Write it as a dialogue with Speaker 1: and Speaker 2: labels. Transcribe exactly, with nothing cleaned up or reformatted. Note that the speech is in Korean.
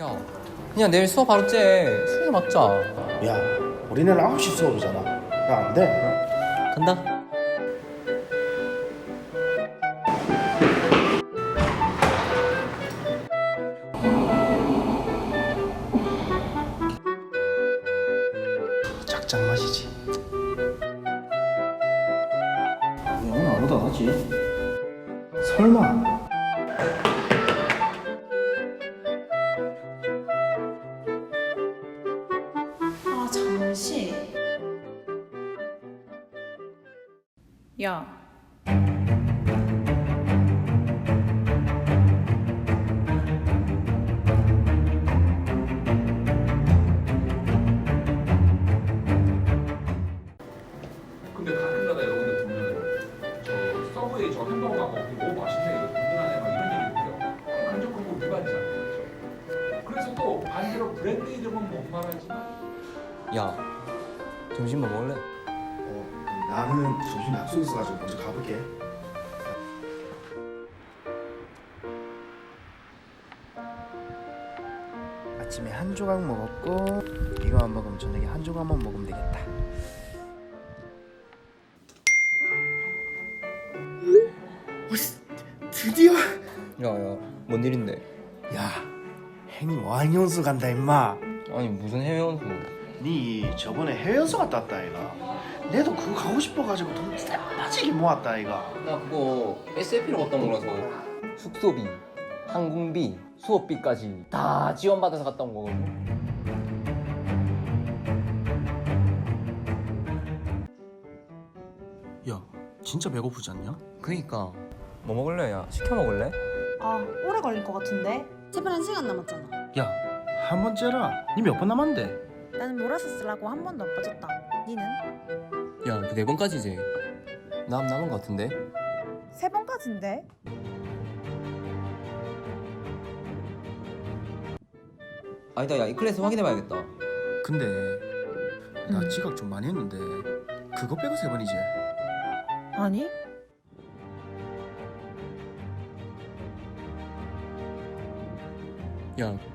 Speaker 1: 야, 그냥 내일 수업 바로 째. 술이나 맞자.
Speaker 2: 야, 우리는 아홉 시 수업이잖아. 야, 안 돼.
Speaker 1: 간다.
Speaker 2: 짝짝 마시지. 야, 오늘 아무도 안 하지? 설마.
Speaker 3: 아 잠시. 야.
Speaker 4: 근데 가끔가다 여러분들 보면 저 서브웨이 저 햄버거 막 먹고 너무 맛있네 이거 든든하네 막 이런 얘기 들어요. 간접 광고 위반이잖아요. 그렇죠? 그래서 또 반대로 브랜드 이름은 못 말하지만
Speaker 1: 야, 점심 뭐 먹을래?
Speaker 2: 어, 나는 점심 약속 있어가지고 먼저 가볼게. 아침에 한 조각 먹었고 이거만 먹으면 저녁에 한 조각만 먹으면 되겠다. 오, 드디어.
Speaker 1: 야, 야, 뭔 일인데?
Speaker 2: 야, 행님 와인연수 간다 임마.
Speaker 1: 아니 무슨 해외 연수?
Speaker 2: 니 저번에 해외 연수 갔다 왔다 아이가. 내도 그거 가고 싶어가지고 돈 빠지게 모았다 아이가.
Speaker 1: 나 그거 에스에프로 갔다 온 거라서 숙소비, 항공비, 수업비까지 다 지원받아서 갔다 온 거거든.
Speaker 2: 야, 진짜 배고프지 않냐?
Speaker 1: 그니까 뭐 먹을래? 야, 시켜 먹을래?
Speaker 3: 아 오래 걸릴 것 같은데.
Speaker 5: 제발 한 시간 남았잖아.
Speaker 2: 야, 한 번 째라. 니 몇 번 남았는데?
Speaker 5: 나는 몰아서 쓰려고 한 번도 안 빠졌다. 니는?
Speaker 1: 야, 그 네 번까지지. 남 남은 거 같은데?
Speaker 5: 세 번까지인데?
Speaker 1: 아니다, 야, 이 클래스 확인해봐야겠다.
Speaker 2: 근데 나
Speaker 5: 음.
Speaker 2: 지각 좀 많이 했는데 그거 빼고 세 번이지?
Speaker 5: 아니?
Speaker 1: 야,